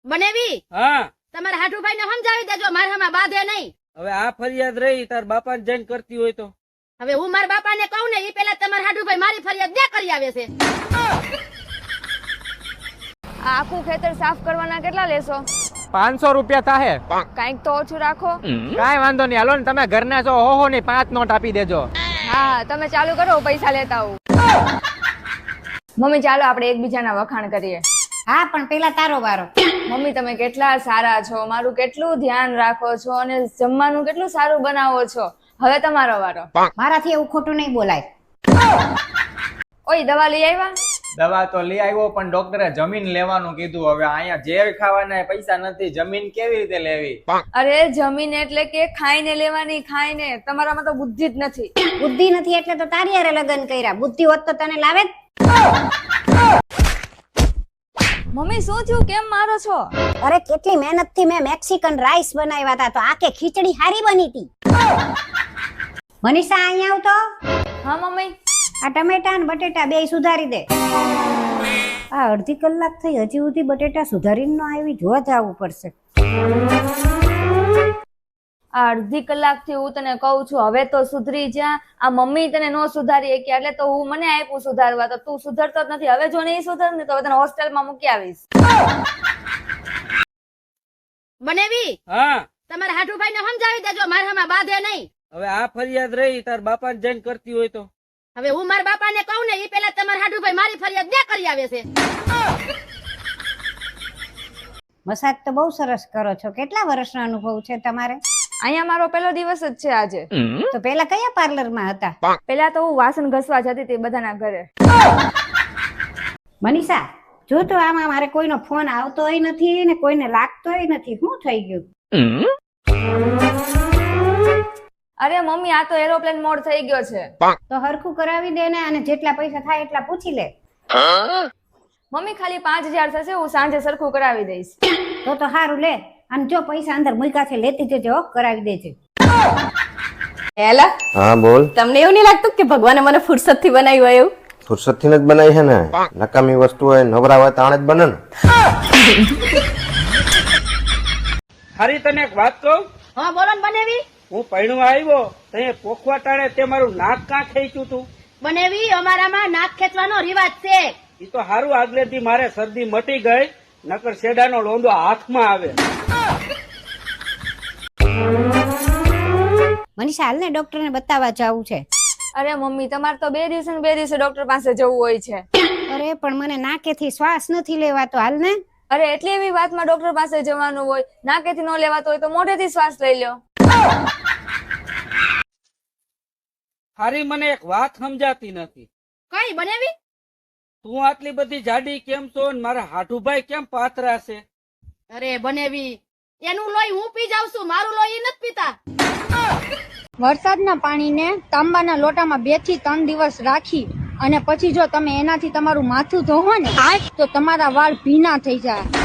બનેવી હા તમારા હાટુભાઈ ને સમજાવી દેજો મારે હમણાં બાંધે નહીં. હવે આ ફરિયાદ રહી તાર બાપાને જઈને કરતી હોય તો હવે હું મારા બાપાને કહું ને એ પેલા તમારા હાટુભાઈ મારી ફરિયાદ બે કરી આવે છે. આ આખું ખેતર સાફ કરવાના કેટલા લેશો? 500 રૂપિયા થાહે. કાંઈક તો ઓછું રાખો. કાંઈ વાંધો નહીં, હાલો ને તમે ઘરના છો, હો ની 5 નોટ આપી દેજો. હા તમે ચાલુ કરો, પૈસા લેતા આવું. મમ્મી ચાલો આપણે એકબીજાના વખાણ કરીએ. હા પણ પેલા તારો વારો. મમ્મી તમે કેટલા સારા છો, મારું કેટલું ધ્યાન રાખો છો અને જમવાનું કેટલું સારું બનાવો છો. હવે તમારો વારો. મારાથી એવું ખોટું નહીં બોલાય. ઓય દવા લઈ આવ્યા? દવા તો લઈ આવ્યો પણ ડોક્ટરે જમીન લેવાનું કીધું. હવે અહીંયા ઝેર ખાવાના પૈસા નથી, જમીન કેવી રીતે લેવી? અરે જમીન એટલે કે ખાઈને લેવાની, ખાઈને. તમારામાં તો બુદ્ધિ જ નથી. બુદ્ધિ નથી એટલે તો તારી હારે લગ્ન કર્યા. બુદ્ધિ હોત તો તને લાવે જ. મમ્મી શું થયું, કેમ મારો છો? અરે કેટલી મહેનત થી મેં મેક્સિકન રાઈસ બનાવ્યા હતા તો આકે ખીચડી હારી બની હતી. મનીષા અહીંયા આવ તો. હા મમ્મી. આ ટમેટા અને બટેટા બે સુધારી દે. આ અડધી કલાક થઈ હજી સુધી બટેટા સુધારીને ન આવી, જોવા જવું પડશે. આ અડધી કલાક થી હું તને કહું છું હવે તો સુધરી જા. આ મમ્મી તને નો સુધારી શકી એટલે તો હું મને આપ્યું સુધારવા, તો તું સુધરતો જ નથી. હવે જો નહીં સુધર ને તો હવે તને હોસ્ટેલમાં મૂકી આવીશ. બનેવી હા તમારા હાટુભાઈ ને સમજાવી દેજો મારે હમણાં બાંધે નહીં. હવે આ ફરિયાદ રહી તાર બાપાને જઈને કરતી હોય તો હવે હું મારા બાપાને કહું ને એ પેલા તમારા હાટુભાઈ મારી ફરિયાદ બે કરી આવે છે. મસાજ તો બહુ સરસ કરો છો. કેટલા વર્ષનો અનુભવ છે તમારે? અહીંયા મારો પહેલો દિવસ જ છે આજે. તો પેલા કયા પાર્લરમાં હતા? પેલા તો હું વાસણ ઘસવા જતી હતી બધાના ઘરે. મનીષા જો તો આમાં મારે કોઈનો ફોન આવતોય નથી ને કોઈને લાગતોય નથી. શું થઈ ગયું? અરે મમ્મી આ તો એરોપ્લેન મોડ થઈ ગયો છે. તો હરખું કરાવી દે ને, અને જેટલા પૈસા થાય એટલા પૂછી લે. મમ્મી ખાલી 5000 થશે, હું સાંજે સરખું કરાવી દઈશ. તો સારું લે. અને જો પૈસા અંદર મૂક્યા છે લેતી જજો, કરાવી દેજે. એલા હા બોલ. તમને એવું નહીં લાગતું કે ભગવાને મને ફુરસત થી બનાવ્યું એવું? ફુરસત થી જ બનાવી છે ને. નકામી વસ્તુ હોય નવરા હોય તાણે જ બને ને. હારી તને એક વાત કહું, હા બોલો ને બનેવી. હું પૈણું આવ્યો તે પોખવા ટાણે તે મારું નાક કાં ખેંચ્યું તું. બનેવી અમારામાં નાક ખેંચવાનો રિવાજ છે. એ તો હારું આગળથી મારે શરદી મટી ગઈ, નકર શેડાનો લોંદો હાથમાં આવે. મનીષા હાલ ને ડોક્ટર ને બતાવવા જવું છે. અરે મમ્મી તમારે તો 2 દિવસે ને 2 દિવસે ડોક્ટર પાસે જવું હોય છે. અરે પણ મને નાકેથી શ્વાસ નથી લેવાતો. હાલ ને. અરે એટલી એવી વાતમાં ડોક્ટર પાસે જવાનું હોય? નાકેથી ન લેવાતો હોય તો મોઢેથી શ્વાસ લઈ લો. હારી મને એક વાત સમજાતી નથી. કઈ બનેવી? તું આટલી બધી જાડી કેમ છો ને મારા હાઠુભાઈ કેમ પાતરા છે? અરે બનેવી એનું લોહી હું પી જાઉં છું, મારું લોહી નથી પીતા. વરસાદના પાણીને તાંબાના લોટામાં 2 થી 3 દિવસ રાખી અને પછી જો તમે એનાથી તમારું માથું ધોવો ને તો તમારા વાળ ભીના થઈ જાય.